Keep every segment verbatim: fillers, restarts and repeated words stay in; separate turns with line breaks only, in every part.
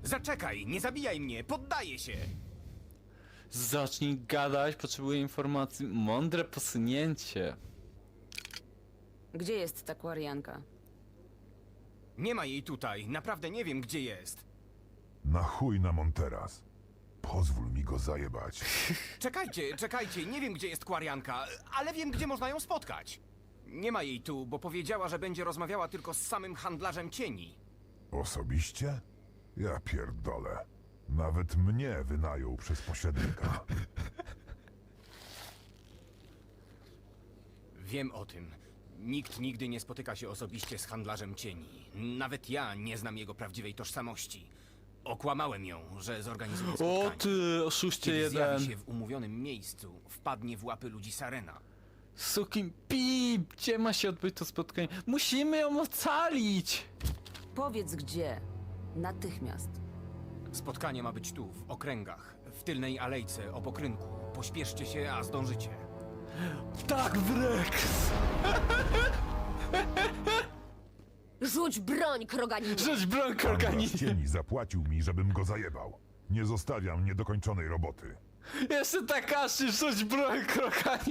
Zaczekaj, nie zabijaj mnie, poddaję się!
Zacznij gadać, potrzebuję informacji. Mądre posunięcie.
Gdzie jest ta kwarianka?
Nie ma jej tutaj, naprawdę nie wiem, gdzie jest.
Na chuj na Monteras. Pozwól mi go zajebać.
Czekajcie, czekajcie, nie wiem, gdzie jest Kwarianka, ale wiem, gdzie można ją spotkać. Nie ma jej tu, bo powiedziała, że będzie rozmawiała tylko z samym handlarzem cieni.
Osobiście? Ja pierdolę. Nawet mnie wynajął przez pośrednika.
Wiem o tym. Nikt nigdy nie spotyka się osobiście z handlarzem cieni. Nawet ja nie znam jego prawdziwej tożsamości. Okłamałem ją, że zorganizuję
O
spotkanie.
ty, oszuście
Kiedy
jeden.
zjawi się w umówionym miejscu, wpadnie w łapy ludzi Sarena.
Sukin pip, gdzie ma się odbyć to spotkanie? Musimy ją ocalić!
Powiedz gdzie. Natychmiast.
Spotkanie ma być tu, w okręgach, w tylnej alejce obok rynku. Pośpieszcie się, a zdążycie.
Tak, Wrex!
Rzuć broń, kroganinie!
Rzuć broń,
Handlarz
organizm!
cieni zapłacił mi, żebym go zajebał. Nie zostawiam niedokończonej roboty.
Jeszcze Takashi, rzuć broń, krokani!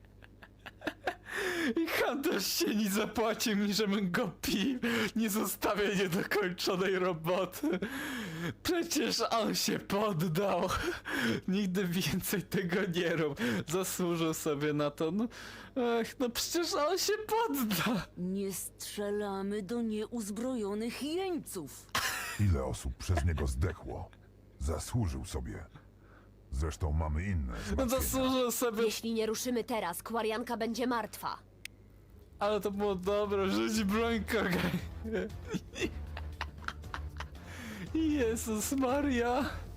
I handlarz cieni zapłacił mi, żebym go pił. Nie zostawię niedokończonej roboty. Przecież on się poddał. Nigdy więcej tego nie rób. Zasłużył sobie na to. No, ech, no przecież on się podda.
Nie strzelamy do nieuzbrojonych jeńców.
Ile osób przez niego zdechło? Zasłużył sobie. Zresztą mamy inne
No
zmartwienia.
zasłużył sobie.
Jeśli nie ruszymy teraz, kwarianka będzie martwa.
Ale to było dobre, rzuć broń, krokani. Jezus Maria.